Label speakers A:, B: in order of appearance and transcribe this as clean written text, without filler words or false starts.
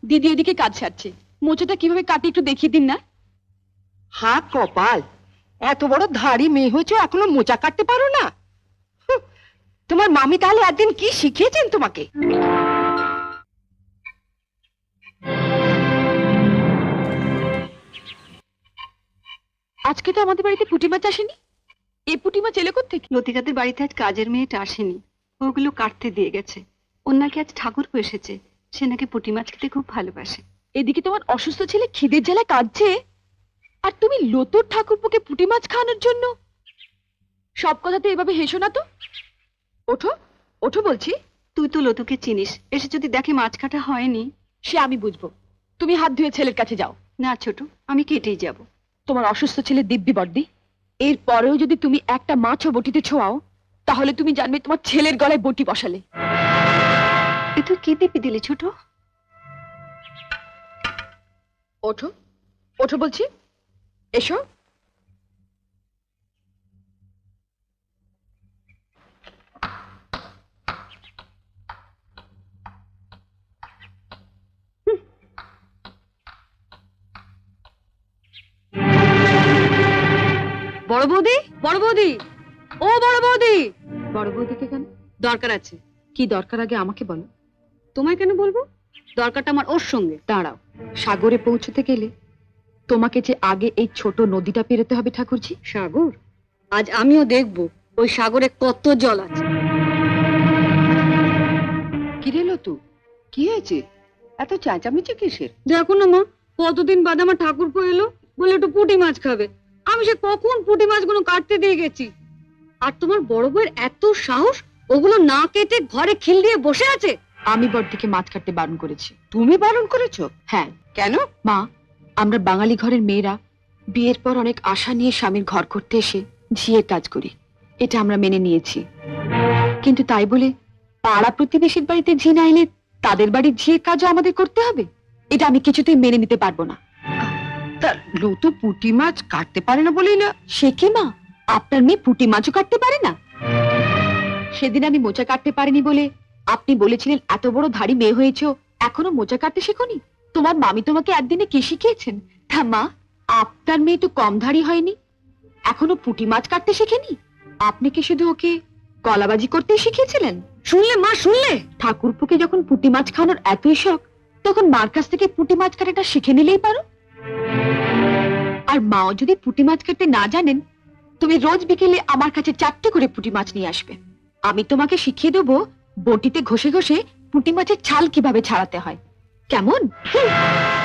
A: দিদি এদিকে কাজ সারছে, মোচাটা কিভাবে কাটি একটু দেখিয়ে দিন না।
B: হা কপাল, এত বড় ধাড়ি মেয়ে হয়েছে এখনো মোচা কাটতে পারো না? হুঁ, তোমার মামি তাহলে একদিন কি শিখিয়েছেন তোমাকে?
A: আজকে তো আমাদের বাড়িতে পুঁটি মাছ আসেনি। এই পুঁটি মাছ এলো কোত্থেকে?
C: লতিকাদের বাড়িতে আজ কাজের মেয়েটা আসেনি, ওগুলো কাটতে দিয়ে গেছে। ওর নাকি আজ ঠাকুরপো এসেছে, সে নাকি পুঁটি মাছ খেতে খুব ভালোবাসে।
A: এদিকে তোমার অসুস্থ ছেলে খিদের জ্বালায় কাঁদছে, আর তুমি লতুর ঠাকুরপোকে পুঁটি মাছ খাওয়ানোর জন্য। সব কথাতে এভাবে হেসো না তো। ওঠো ওঠো বলছি।
C: তুই তো লতুকে চিনিস, এসে যদি দেখে মাছ কাটা হয়নি।
A: সে আমি বুঝবো, তুমি হাত ধুয়ে ছেলের কাছে যাও।
C: না ছোট, আমি কেটেই যাব।
A: তোমার অসুস্থ ছেলে দিব্যি বর্দি, এর পরেও যদি তুমি একটা মাছও বটিতে ছোঁয়াও, তাহলে তুমি জানবে তোমার ছেলের গলায় বটি বসালে।
C: এ তুই কি দিবি দিলি ছোট?
A: ওঠো ওঠো বলছি, এসো।
C: বড় বৌদি, বড় বৌদি, ও বড় বৌদি।
A: বড় বৌদিকে কেন?
C: দরকার আছে।
A: কি দরকার আগে আমাকে বলো।
C: তোমায় কেন বলবো? দরকারটা আমার ওর সঙ্গে।
A: দাঁড়াও, সাগরে পৌঁছতে গেলে তোমাকে যে আগে এই ছোট নদীটা পেরোতে হবে ঠাকুরজি।
C: সাগর? আজ আমিও দেখব ওই সাগরে কত জল আছে।
B: কি রে লতু, কি হয়েছে? এত চেঁচামেচি কিসের?
C: দেখো না মা, কতদিন বাদে আমার ঠাকুরপো এলো, বলে একটু পুঁটি মাছ খাবে। আমি সে কখন পুঁটি মাছগুলো কাটতে দিয়ে গেছি, আর তোমার বড় বউয়ের এত সাহস, ওগুলো না কেটে ঘরে খিল দিয়ে বসে আছে।
A: আমি বড়দিকে মাছ কাটতে বারণ করেছি।
B: তুমি বারণ করেছো?
A: হ্যাঁ।
B: কেন?
A: মা, আমরা বাঙালি ঘরের মেয়েরা বিয়ের পর অনেক আশা নিয়ে স্বামীর ঘর করতে এসে ঝিয়ের কাজ করি, এটা আমরা মেনে নিয়েছি। কিন্তু তাই বলে পাড়া প্রতিবেশীর বাড়িতে ঝি না এলে তাদের বাড়ির ঝিয়ের কাজও আমাদের করতে হবে? এটা আমি কিছুতেই মেনে নিতে পারবো না।
B: তা লতু পুঁটি মাছ কাটতে পারে না বলেই না?
A: সে কি মা, আপনার মেয়ে পুঁটি মাছও কাটতে পারে না? সেদিন আমি মোচা কাটতে পারিনি বলে আপনি বলেছিলেন এত বড় ধাড়ি মেয়ে হয়েছো, এখনো মোচা কাটতে শেখোনি? তোমার মামি তোমাকে একদিনে কি শিখিয়েছেন? তা মা, আপনার মেয়ে তো কম ধাড়ি হয়নি, এখনো পুঁটি মাছ কাটতে শেখেনি। আপনি কি শুধু ওকে কলাবাজি করতে শিখিয়েছিলেন?
C: শুনলে মা, শুনলে?
A: ঠাকুরপুকে যখন পুঁটি মাছ খাওয়ানোর এতই শখ, তখন মার কাছ থেকে পুঁটি মাছ কাটাটা শিখে নিলেই পারো। আর মাও যদি পুঁটি মাছ কাটতে না জানেন, তুমি রোজ বিকেলে আমার কাছে 4টে করে পুঁটি মাছ নিয়ে আসবে। আমি তোমাকে শিখিয়ে দেবো বটিতে ঘষে ঘষে পুঁটি মাছের ছাল কিভাবে ছাড়াতে হয়। কেমন?